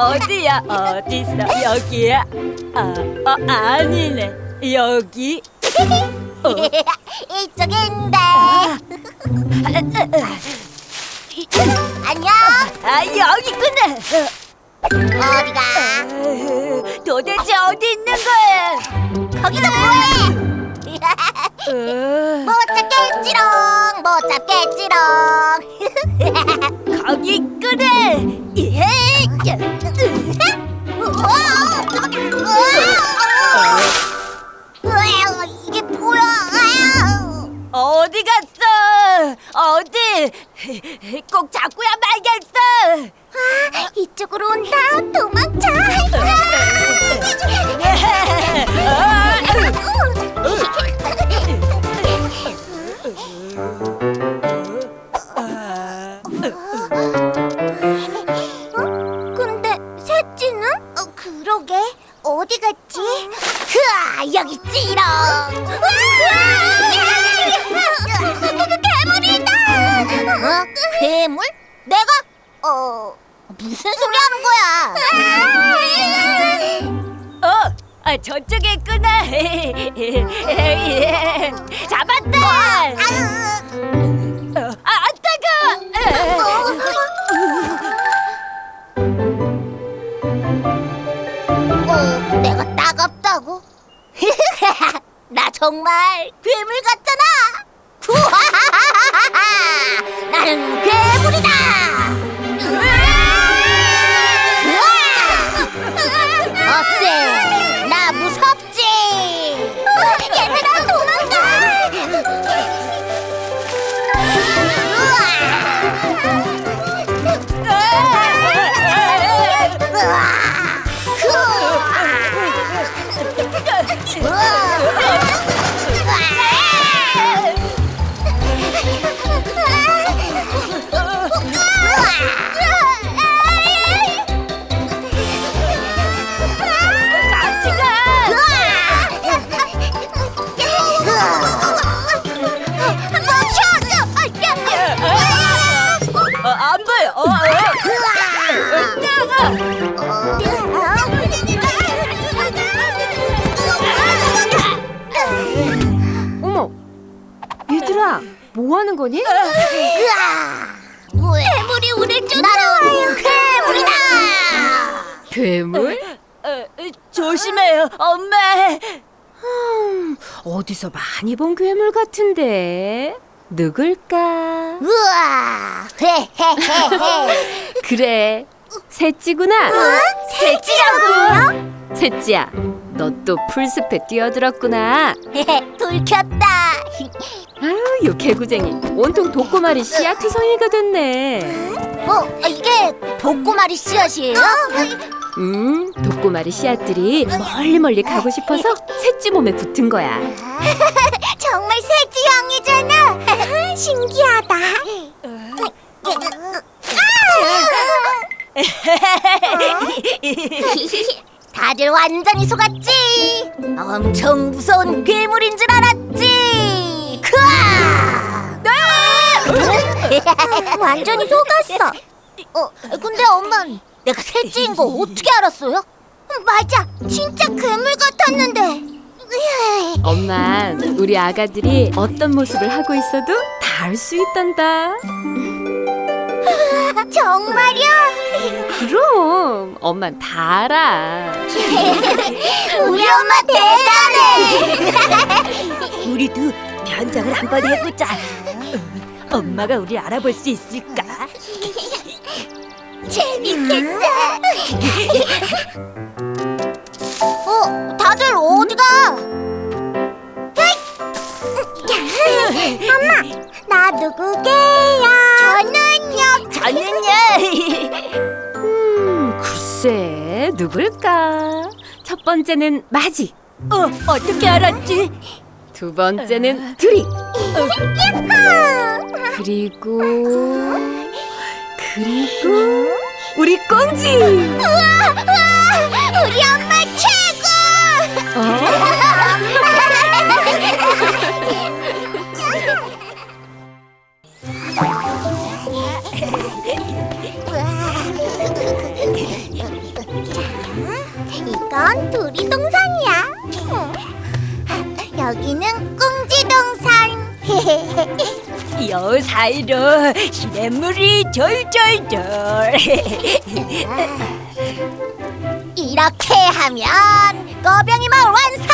어디야? 어딨어? 여기야? 아니네. 여기? 이쪽인데. 안녕. 여기구나. 어디가? 도대체 어디 있는 거야? 거기서 뭐해? 못 잡겠지롱. 못 잡겠지롱. 거기 있구나. 이게 뭐야? 어디 갔어? 어디? 꼭 잡고야 말겠어. 이쪽으로 온다. 도망쳐. 근데 셋째는? 그러게. 어디 갔지? 여기 있지롱. 괴물이다. 괴물? 내가? 무슨 소리 하는 거야? 저쪽에 있구나. 잡았다. 따가. 내가 따갑다고? 나 정말 괴물 같잖아. 나는 괴물이다. 어때? 나 무섭지? 얘들아 도망가. 안 보여. 어머, 얘들아, 뭐 하는 거니? 괴물이 우릴 쫓아와요. 괴물이다. 괴물? 조심해요, 엄마. 어디서 많이 본 괴물 같은데 누굴까? 우와. 헤헤헤헤. 그래, 셋찌구나. 셋째라고요? 셋찌야, 너 또 풀숲에 뛰어들었구나. 불 켰다. 아유, 요 개구쟁이 온통 독고마리 씨앗 투성이가 됐네. 이게 복고마리 씨앗이에요? 독고마리 씨앗들이 멀리 가고 싶어서 셋찌 몸에 붙은 거야. 정말 셋째형이잖아. 신기하다. 다들 완전히 속았지? 엄청 무서운 괴물인 줄 알았지? 완전히 속았어. 근데 엄마, 내가 셋째인 거 어떻게 알았어요? 맞아, 진짜 괴물 같았는데. 엄만 우리 아가들이 어떤 모습을 하고 있어도 다 알 수 있단다. 정말요? 그럼 엄만 다 알아. 우리 엄마 대단해. 우리도 변장을 한번 해보자. 엄마가 우리 알아볼 수 있을까? 재밌겠다. 다들 어디가? 엄마, 나 누구게요? 저는요. 글쎄 누굴까? 첫 번째는 마지, 어떻게 알았지? 두 번째는 두리, 그리고 우리 꽁지. 우리 엄마 최고. 놀이동산이야. 여기는 꽁지동산. 요 사이로 시냇물이 졸졸졸. 이렇게 하면 꺼병이 마을 완성!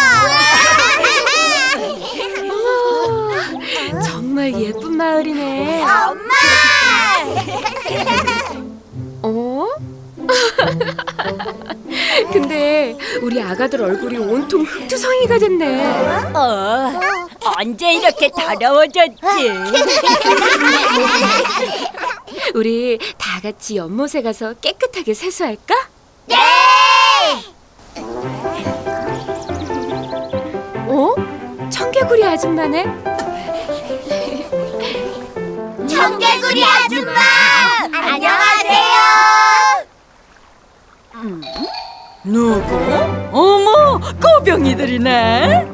정말 예쁜 마을이네. 엄마! 어? 근데 우리 아가들 얼굴이 온통 흙투성이가 됐네. 언제 이렇게 더러워졌지? 우리 다 같이 연못에 가서 깨끗하게 세수할까? 네! 어? 청개구리 아줌마네? 청개구리 아줌마! 안녕하세요! 누구? 어머, 꼬병이들이네.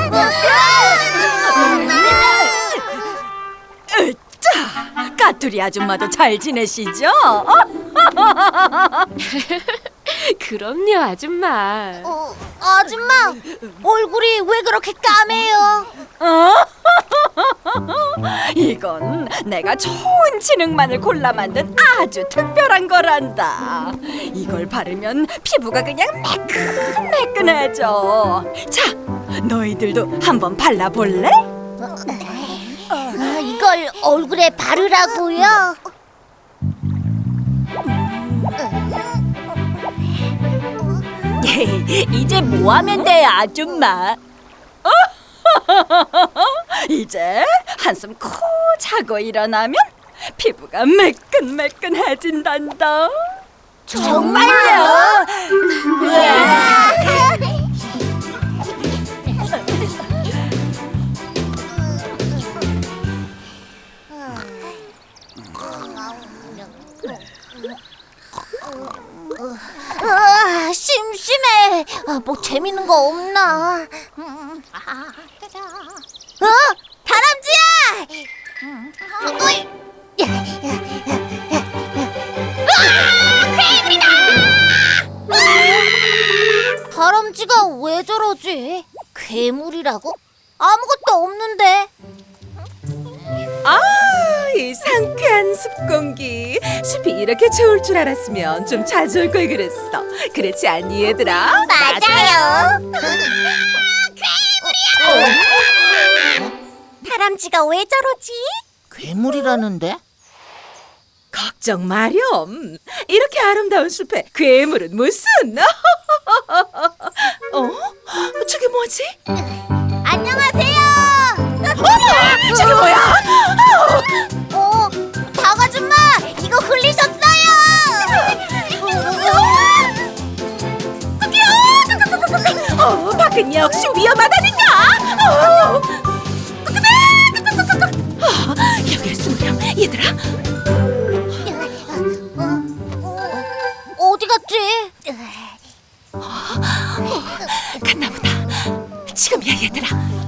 자, 까투리 아줌마도 잘 지내시죠? 그럼요, 아줌마. 아줌마, 얼굴이 왜 그렇게 까매요? 이건 내가 좋은 진흙만을 골라 만든 아주 특별한 거란다. 이걸 바르면 피부가 그냥 매끈매끈해져. 자, 너희들도 한번 발라볼래? 이걸 얼굴에 바르라고요? 이제 뭐 하면 돼, 아줌마? 이제 한숨 코 자고 일어나면 피부가 매끈매끈해진단다. 정말요? 심심해. 뭐 재밌는 거 없나? 다람쥐야! 어이! 괴물이다! 다람쥐가 왜 저러지? 괴물이라고? 아무것도 없는데. 이 상쾌한 숲 공기. 숲이 이렇게 좋을 줄 알았으면 좀 자주 올 걸 그랬어. 그렇지 않니 얘들아? 맞아요. 괴물이야! 다람쥐가 왜 저러지? 괴물이라는데? 걱정 마렴. 이렇게 아름다운 숲에 괴물은 무슨? 저게 뭐지? 안녕하세요. 저게 뭐야? 닭아줌마, 이거 흘리셨어요. 밖은 역시 위험하다니까. 여기에 숨으렴 얘들아. 어디 갔지? 갔나보다. 지금이야 얘들아.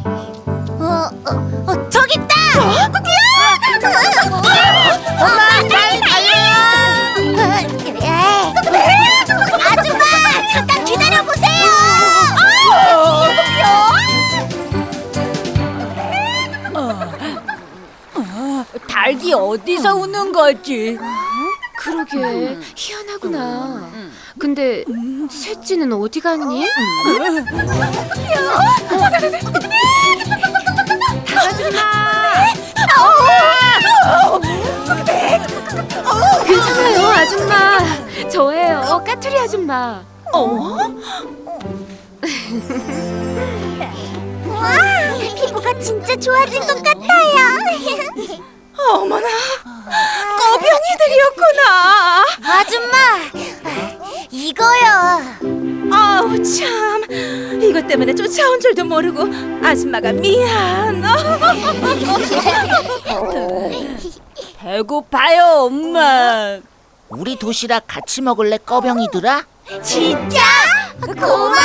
저기 있다. 엄마, 빨리 달려요. 아줌마, 잠깐 기다려 보세요. 닭이 어디서 우는 거지? 그러게, 희한하구나. 근데 셋째는 어디 갔니? 괜찮아요, 아줌마. 저예요, 까투리 아줌마. 와, 피부가 진짜 좋아진 것 같아요. 어머나, 꼬병이들이었구나. 아줌마, 이거요. 아우 참, 이것 때문에 쫓아온 줄도 모르고 아줌마가 미안. 배고파요, 엄마. 우리 도시락 같이 먹을래, 꺼병이들아? 진짜? 고마워.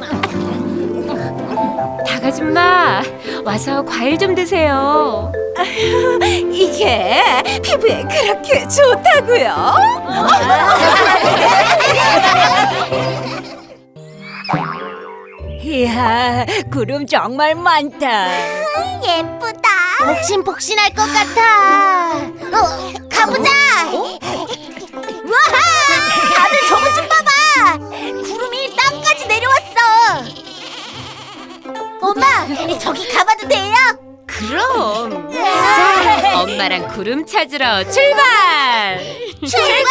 닭아줌마, 와서 과일 좀 드세요. 이게 피부에 그렇게 좋다고요? 이야, 구름 정말 많다. 예쁘다. 폭신폭신할 것 같아. 가보자. 와, 다들 저것 좀 봐봐. 구름이 땅까지 내려왔어. 엄마, 저기 가봐도 돼요? 그럼. 자, 엄마랑 구름 찾으러 출발! 출발!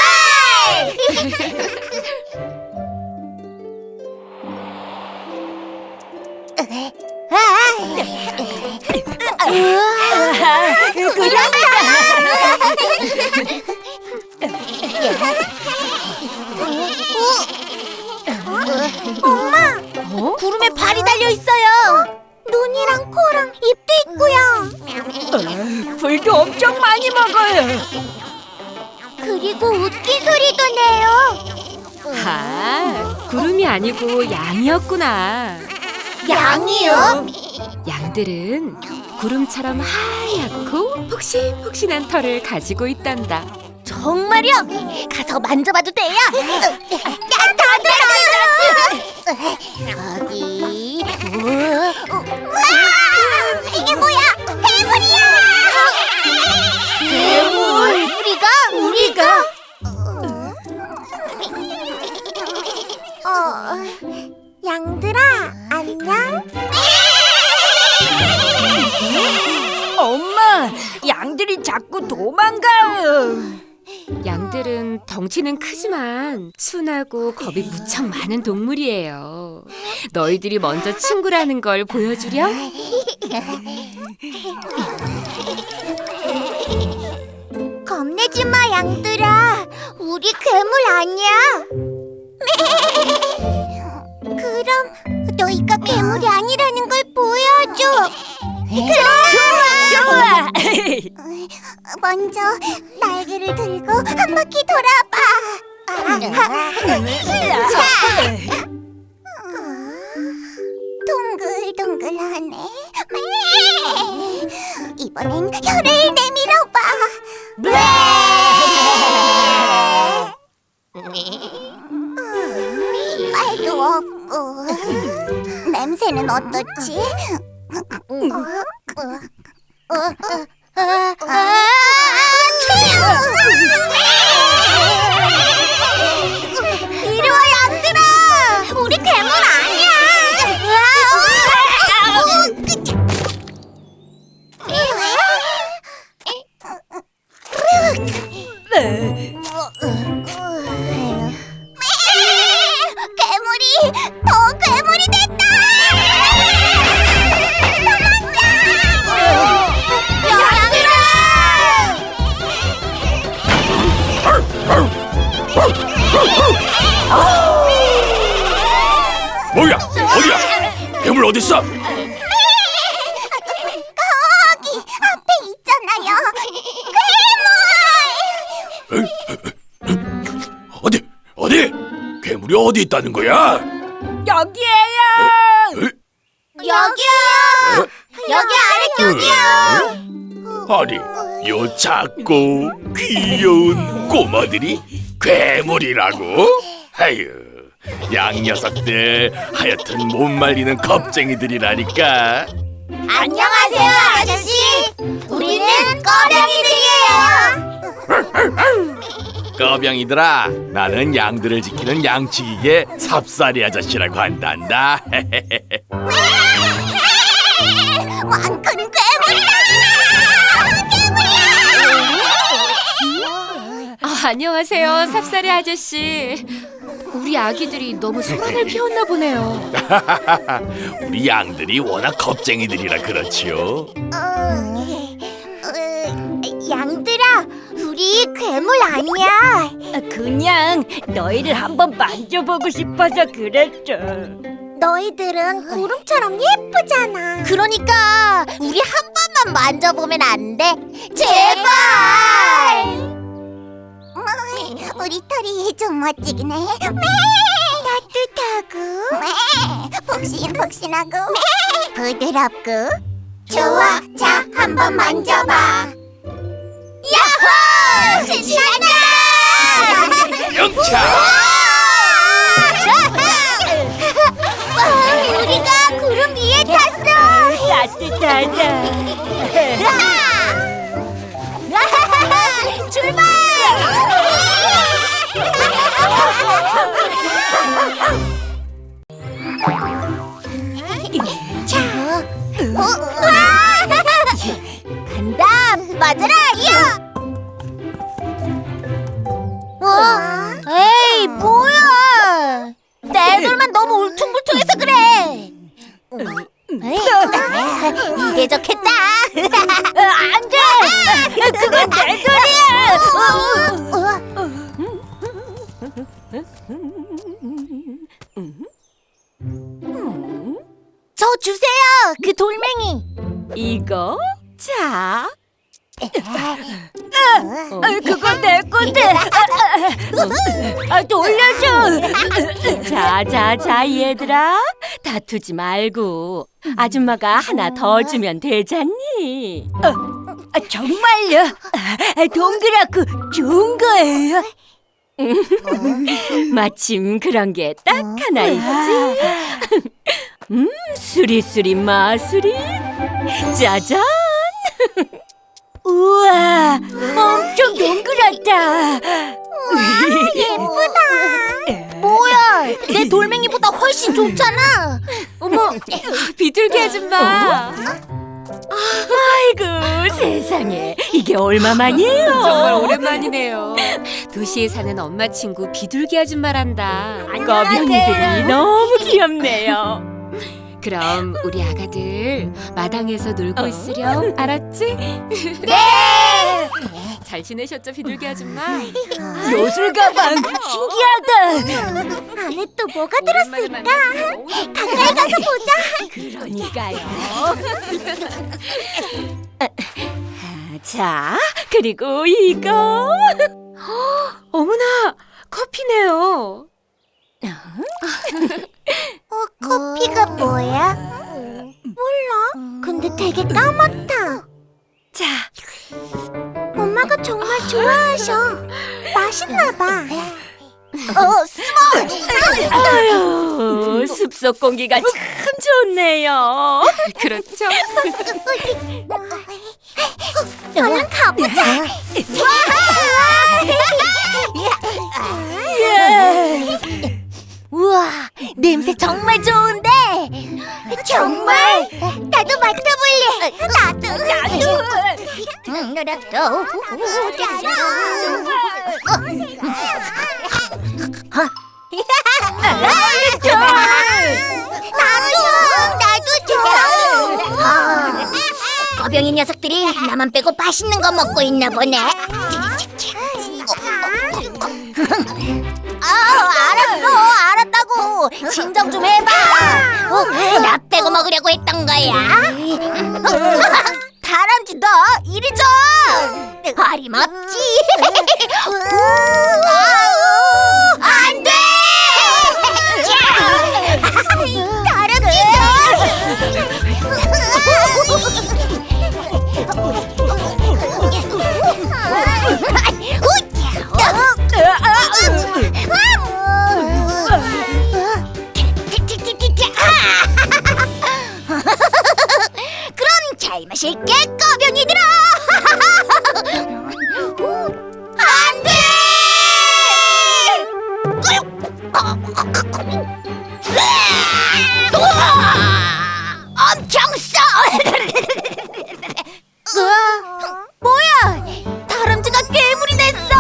엄마, 구름에 발이 달려 있어요. 눈이랑 코랑 입도 있고요. 불도 엄청 많이 먹어요. 그리고 웃긴 소리도 내요. 아, 구름이 아니고 양이었구나. 양이요? 양들은 구름처럼 하얗고 폭신폭신한 털을 가지고 있단다. 정말요? 가서 만져봐도 돼요? 거기. 우와! 이게 뭐야? 괴물이야! 괴물? 우리가? 양들아, 안녕? 엄마, 양들이 자꾸 도망가요. 양들은 덩치는 크지만 순하고 겁이 무척 많은 동물이에요. 너희들이 먼저 친구라는 걸 보여주렴. 겁내지 마, 양들아. 우리 괴물 아니야. 그럼 너희가 괴물이 아니라는 걸 보여줘. 좋아. 먼저 날개를 들고 한 바퀴 돌아봐. 자, 동글동글하네. 이번엔 혀를 내밀어봐. 말도 없고. 냄새는 어떻지? 이리 와, 양들아. 우리 괴물 아니야. 괴물이 더 괴물이 됐다. 뭐야? 어디야? 괴물 어딨어? 거기 앞에 있잖아요. 어디? 괴물이 어디 있다는 거야? 여기에요. 여기요. 여기 아래쪽이요. 아니, 요 작고 귀여운 꼬마들이 괴물이라고? 아유, 양 녀석들 하여튼 못 말리는 겁쟁이들이라니까. 안녕하세요, 아저씨. 우리는 꺼병이들이에요. 꺼병이들아, 나는 양들을 지키는 양치기계 삽살이 아저씨라고 한단다. 왕크는 괴물이다. 안녕하세요, 삽살이 아저씨. 우리 아기들이 너무 소란을 피웠나 보네요. 우리 양들이 워낙 겁쟁이들이라 그렇지요. 양들아, 우리 괴물 아니야. 그냥 너희를 한번 만져보고 싶어서 그랬죠. 너희들은 구름처럼 예쁘잖아. 그러니까 우리 한 번만 만져보면 안 돼? 제발. 우리 털이 좀 멋지긴 해. 따뜻하고 폭신폭신하고 부드럽고. 좋아, 자, 한번 만져봐. 야호! 신난다! 영차! 우리가 구름 위에 탔어. 따뜻하다. 출발! 자, 간다. 맞아라, 야! 에이, 뭐야? 내 돌만 너무 울퉁불퉁해서 그래. 이게 좋겠다. 안 돼. 그건 내 돌이야. 저 주세요. 그 돌멩이. 이거? 자. 그건 내 건데. 돌려줘. 자, 얘들아. 다투지 말고 아줌마가 하나 더 주면 되잖니. 정말요? 동그랗고 좋은 거예요? 마침 그런 게 딱 하나 있지. 수리수리 마수리. 짜잔. 우와, 엄청 동그랗다. 예쁘다. 뭐야, 내 돌멩이보다 훨씬 좋잖아. 어머, 비둘기 아줌마. 아이고 세상에, 이게 얼마만이에요? 정말 오랜만이네요. 도시에 사는 엄마 친구 비둘기 아줌마란다. 꺼병이들이 너무 귀엽네요. 그럼 우리 아가들 마당에서 놀고 있으렴. 알았지? 네. 잘 지내셨죠, 비둘기 아줌마? 요술 가방 신기하다. 안에 또 뭐가 들었을까? 가까이 가서 보자. 그러니까요. 자, 그리고 이거. 어머나, 커피네요. 커피가 뭐야? 몰라. 근데 되게 까맣다. 자, 엄마가 정말 좋아하셔. 맛있나 봐. 아유, 숲속 공기가 참 좋네요. 그렇죠? 얼른 가보자. 우와, 냄새 정말 좋은데. 정말? 나도 맡아볼래. 나도. 나도 줘. 거병이 녀석들이 나만 빼고 맛있는 거 먹고 있나 보네. 알았다고. 진정 좀 해봐. 나 빼고 먹으려고 했던 거야. 다람쥐 너 이리 줘. 어림없지. 안 돼. 다람쥐 그럼 잘 마실게, 꺼병이들아. 안 돼. 엄청 써. 뭐야? 다람쥐가 괴물이 됐어.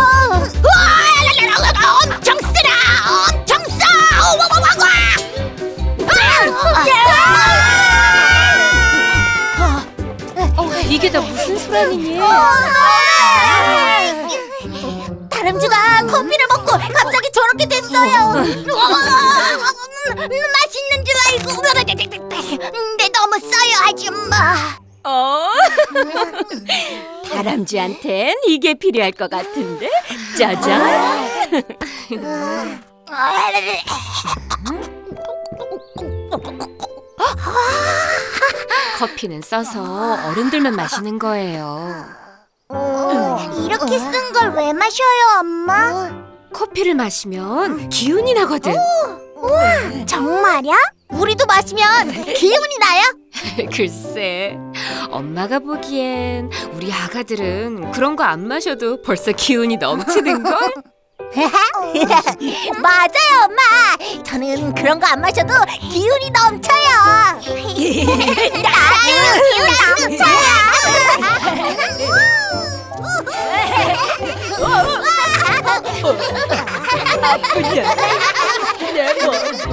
엄청 쓰라. 엄청 써. 이게 다 무슨 소란이니? 다람쥐가 커피를 먹고 갑자기 저렇게 됐어요. 맛있는 줄 알고. 근데 너무 써요, 아줌마. 다람쥐한텐 이게 필요할 것 같은데? 짜잔! 커피는 써서 어른들만 마시는 거예요. 이렇게 쓴 걸 왜 마셔요, 엄마? 커피를 마시면 기운이 나거든. 정말야? 우리도 마시면 기운이 나요? 글쎄, 엄마가 보기엔 우리 아가들은 그런 거 안 마셔도 벌써 기운이 넘치는걸? 맞아요, 엄마. 저는 그런 거 안 마셔도 기운이 넘쳐요. 나도 기운 넘쳐요. 아프냐? 내 몸.